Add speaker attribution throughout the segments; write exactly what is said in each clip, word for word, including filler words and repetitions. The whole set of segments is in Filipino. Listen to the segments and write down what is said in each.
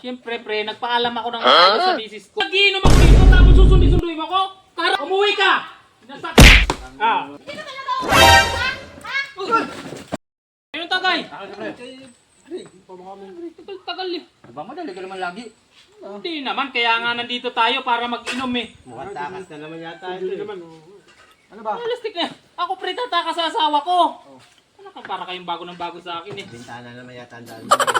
Speaker 1: Siyempre, pre, nagpaalam ako ng maayos sa misis ko. Nag-iinom ako dito, tapos susundi-sunduin mo ko? Kara, umuwi ka! Nasa... Ah.
Speaker 2: Hindi naman ako umuwi, ha? Ha?
Speaker 1: Ayun, tagay!
Speaker 3: Pre,
Speaker 1: Tagal-tagal eh.
Speaker 3: ba madali ka naman lagi?
Speaker 1: Hindi naman, kaya nga nandito tayo para mag-inom eh.
Speaker 4: Mukhang takas na naman yata ito. eh.
Speaker 3: Ano ba?
Speaker 1: Realistic na. Ako pre, tataka sa asawa ko. Ano ka, para kayong bago ng bago sa akin eh.
Speaker 4: Bintana naman yata ang daan.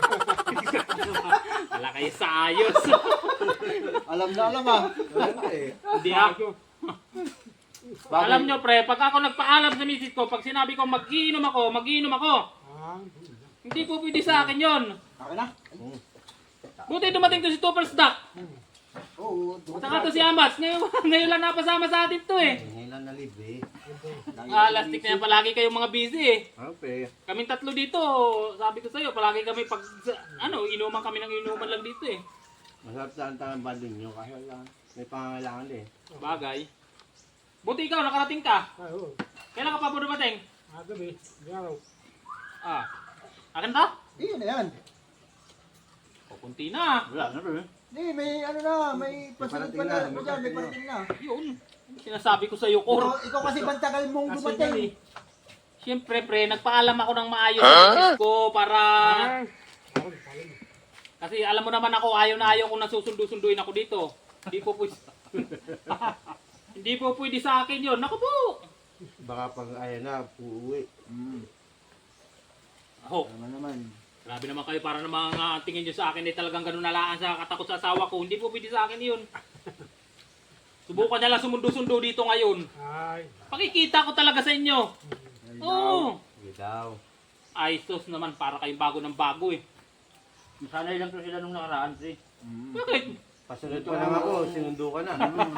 Speaker 1: Wala kayo sa ayos.
Speaker 3: Alam na alam ah.
Speaker 1: Hindi ako. Alam nyo pre, pag ako nagpaalam sa misis ko, pag sinabi ko mag-iinom ako, mag-iinom ako. Hindi po pwede sa akin yon.
Speaker 3: Okay na?
Speaker 1: Buti dumating to si Tupper's Duck.
Speaker 3: Oo.
Speaker 1: Saka to si Amas. Ngayon, ngayon lang napasama sa atin to eh.
Speaker 4: Ngayon lang nalibre.
Speaker 1: Ah, lastik na yan, palagi kayong mga busy eh.
Speaker 4: Okay.
Speaker 1: Kaming tatlo dito, sabi ko sa'yo, palagi kami pag, ano, inuman kami ng inuman lang dito eh.
Speaker 4: Masarap sa ang banding nyo kasi lang may pangangailangan eh.
Speaker 1: Bagay. Buti ikaw, nakarating ka.
Speaker 5: Ah, oo.
Speaker 1: Kailan ka pa po dumating?
Speaker 5: Ah, gabi. Garaw.
Speaker 1: Ah. Akin to?
Speaker 3: Iyon na yan.
Speaker 1: O, kunti na.
Speaker 4: Wala na rin.
Speaker 3: Hindi, may ano na, may pasunod pa na. May parating, may parating na.
Speaker 1: Yun. Sinasabi ko sa'yo, Kor.
Speaker 3: Ikaw, ikaw kasi bantagal mong dumating.
Speaker 1: Siyempre, pre, nagpaalam ako ng maayos sa misis ko para... Kasi alam mo naman ako, ayaw na ayaw kung nasusundo-sunduin ako dito. Hindi po pwede... Hindi po pwede sa akin yun. Naku po!
Speaker 4: Baka pag ayaw na, uuwi.
Speaker 3: Hmm.
Speaker 1: Ako,
Speaker 3: Tama naman.
Speaker 1: grabe naman kayo para naman uh, tingin nyo sa akin eh talagang ganun nalaan sa katakot sa asawa ko. Hindi po pwede sa akin yun. Subukan niya lang sumundo-sundo dito ngayon.
Speaker 5: Ay.
Speaker 1: Pakikita ko talaga sa inyo. Oo.
Speaker 4: Sige daw.
Speaker 1: Ay, sus naman, para kayong bago ng bago eh.
Speaker 3: Masanay lang to sila nung nakaraan, si.
Speaker 1: Bakit?
Speaker 4: Pasunod pa lang ako, sinundo ka na.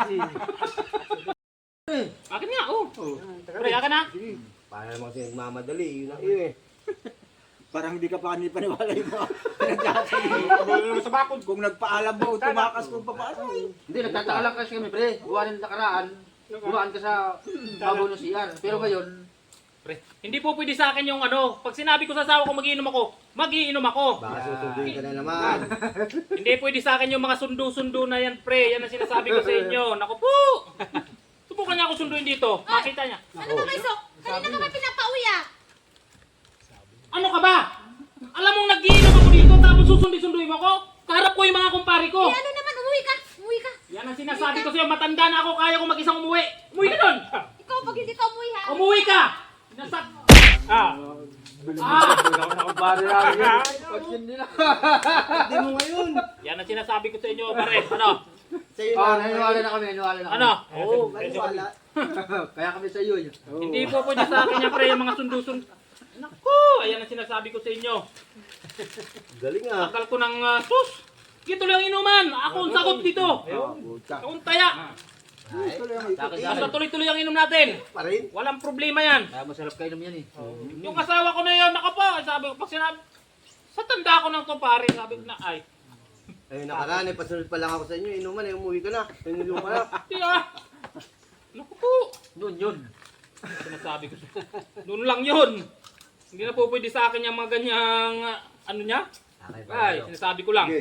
Speaker 1: Akin nga, oh.
Speaker 4: Oh.
Speaker 1: Pre, akin na.
Speaker 4: Para naman kasi nagmamadali, yun ang iyo eh.
Speaker 3: Parang hindi ka pa kanil paniwala yung mga pinagsasabi.
Speaker 5: Ano sa bakod?
Speaker 3: Kung nagpaalam mo, tumakas kung paano.
Speaker 6: Hindi, nagtataka lang kasi kami, pre. Buwan ng nakaraan, buwan ka sa babaw ng C R. Pero ngayon,
Speaker 1: Pre, hindi po pwede sa akin yung ano, pag sinabi ko sa asawa ko mag-iinom ako, mag-iinom ako.
Speaker 4: Baka susunduin ka na naman.
Speaker 1: Hindi pwede sa akin yung mga sundo-sundo na yan, pre. Yan ang sinasabi ko sa inyo. Naku po! Subukan niya ako sunduin dito. Makita niya.
Speaker 2: Ano ba kayo? Kanina ka pa pinapauwi, ah.
Speaker 1: Ano ka ba? Alam mong nag-iinom ako dito tapos susundi-sunduin mo ako? Kaharap ko yung mga kumpari ko.
Speaker 2: Eh, ano naman, umuwi ka. Umuwi ka.
Speaker 1: Yan ang sinasabi ko sa'yo. Matanda na ako. Kaya ko mag-isang umuwi. Umuwi ka doon!
Speaker 2: Ikaw, pag hindi ka umuwi, ha?
Speaker 1: Umuwi ka! Nasa...
Speaker 5: Ah.
Speaker 1: Ah!
Speaker 6: nakabari lang yun. Pag hindi na.
Speaker 4: Hindi mo ngayon.
Speaker 1: Yan ang sinasabi ko sa inyo, pare. Ano?
Speaker 4: Sa'yo
Speaker 6: Oh,
Speaker 4: na.
Speaker 6: naniwala na kami, naniwala na kami.
Speaker 1: Ano?
Speaker 4: Oo, maniwala.
Speaker 6: Kaya kami sa iyo. yun.
Speaker 1: Hindi po pwede sa akin yan, pre. Yung mga sundo-sundo. Naku! Ayan ang sinasabi ko sa inyo.
Speaker 4: Galing ah.
Speaker 1: Akal ko ng uh, sus! Ito lang inuman! Ako ang sagot dito! Ako ang taya! Basta tuloy-tuloy ang inom natin!
Speaker 4: Pa rin.
Speaker 1: Walang problema yan!
Speaker 6: Kaya masarap kayo naman yan eh.
Speaker 1: Yung asawa ko na yun, naka pa! Sabi ko, pag sinabi, sa tanda ko ng to pare, sabi ko na, ay,
Speaker 4: Ayun nakaraan eh, pasunod pa lang ako sa inyo. Inuman eh, umuwi ka na. Pinulo ka na.
Speaker 1: di ah! Naku po!
Speaker 6: Noon yun.
Speaker 1: Sinasabi ko, noon lang yun! Hindi na po pwede sa akin yung mga ganyang, uh, ano niya?
Speaker 4: Okay,
Speaker 1: Ay, sinasabi ko lang.
Speaker 4: Sige.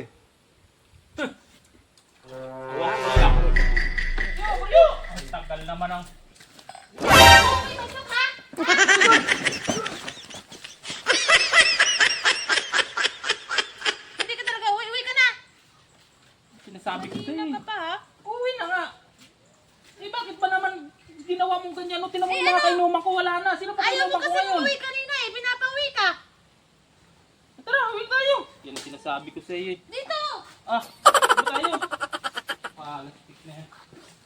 Speaker 1: Wala ko lang. Ang tagal naman ang...
Speaker 2: Umuwi ka, Chok, ha? Hindi ka talaga uwi. Uwi ka na.
Speaker 1: Sinasabi ko sa'yo
Speaker 2: Kanina
Speaker 1: eh.
Speaker 2: ka pa, ha?
Speaker 1: Uwi na nga. Eh bakit ba naman ginawa mong ganyan? No, tinamang
Speaker 2: Eh,
Speaker 1: yung mga
Speaker 2: ano?
Speaker 1: kainuman ko, wala na. Sino pa
Speaker 2: Ayaw mo
Speaker 1: kainuman ko
Speaker 2: kasi
Speaker 1: ngayon?
Speaker 2: umuwi kanina, eh. Pinapauwi ka.
Speaker 1: Tara, uwi tayo. Yan ang sinasabi ko sa iyo.
Speaker 2: Dito.
Speaker 1: Ah, uwi tayo. Palastik na yan.